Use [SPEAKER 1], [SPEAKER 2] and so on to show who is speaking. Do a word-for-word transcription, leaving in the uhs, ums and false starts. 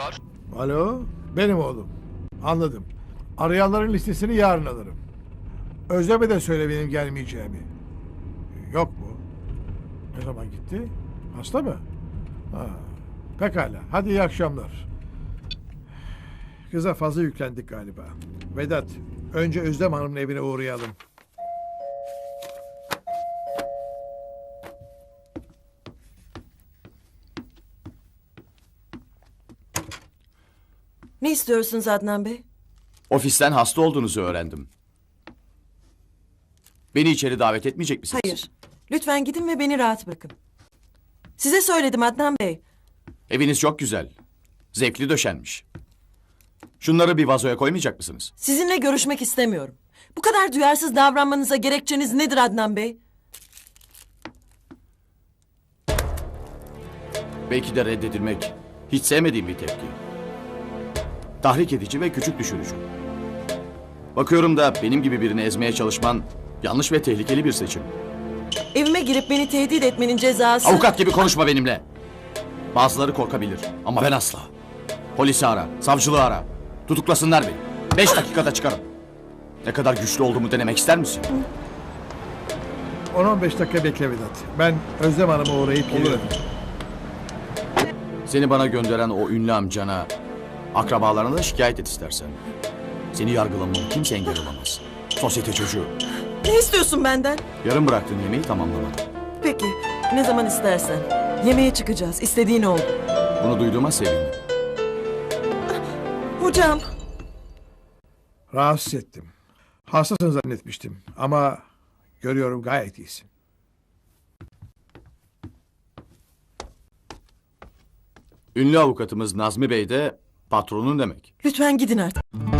[SPEAKER 1] var?
[SPEAKER 2] Alo, benim oğlum. Anladım. Arayanların listesini yarın alırım. Özlem'e de söyle benim gelmeyeceğimi. Yok mu? Ne zaman gitti? Hasta mı? Ha, pekala. Hadi iyi akşamlar. Kıza fazla yüklendik galiba. Vedat, önce Özlem Hanım'ın evine uğrayalım.
[SPEAKER 3] Ne istiyorsunuz Adnan Bey?
[SPEAKER 4] Ofisten hasta olduğunuzu öğrendim. Beni içeri davet etmeyecek misiniz?
[SPEAKER 3] Hayır. Lütfen gidin ve beni rahat bırakın. Size söyledim Adnan Bey.
[SPEAKER 4] Eviniz çok güzel. Zevkli döşenmiş. Şunları bir vazoya koymayacak mısınız?
[SPEAKER 3] Sizinle görüşmek istemiyorum. Bu kadar duyarsız davranmanıza gerekçeniz nedir Adnan Bey?
[SPEAKER 4] Belki de reddedilmek hiç sevmediğim bir tepki. Tahrik edici ve küçük düşürücü. Bakıyorum da benim gibi birini ezmeye çalışman yanlış ve tehlikeli bir seçim.
[SPEAKER 3] Evime girip beni tehdit etmenin cezası...
[SPEAKER 4] Avukat gibi konuşma benimle. Bazıları korkabilir ama ben asla. Polisi ara, savcılığı ara. Tutuklasınlar beni. Beş dakikada çıkarım. Ne kadar güçlü olduğumu denemek ister misin?
[SPEAKER 2] on on beş dakika bekle Vedat. Ben Özlem Hanım'a uğrayıp geliyorum.
[SPEAKER 4] Seni bana gönderen o ünlü amcana, akrabalarına da şikayet et istersen. Seni yargılamama kimse engel olamaz. Sosyete çocuğu.
[SPEAKER 3] Ne istiyorsun benden?
[SPEAKER 4] Yarım bıraktığın yemeği tamamlamadın.
[SPEAKER 3] Peki, ne zaman istersen. Yemeğe çıkacağız, istediğin oldu.
[SPEAKER 4] Bunu duyduğuma sevindim.
[SPEAKER 3] Hocam.
[SPEAKER 2] Rahatsız ettim. Hastasın zannetmiştim ama görüyorum gayet iyisin.
[SPEAKER 4] Ünlü avukatımız Nazmi Bey de patronun demek.
[SPEAKER 3] Lütfen gidin artık.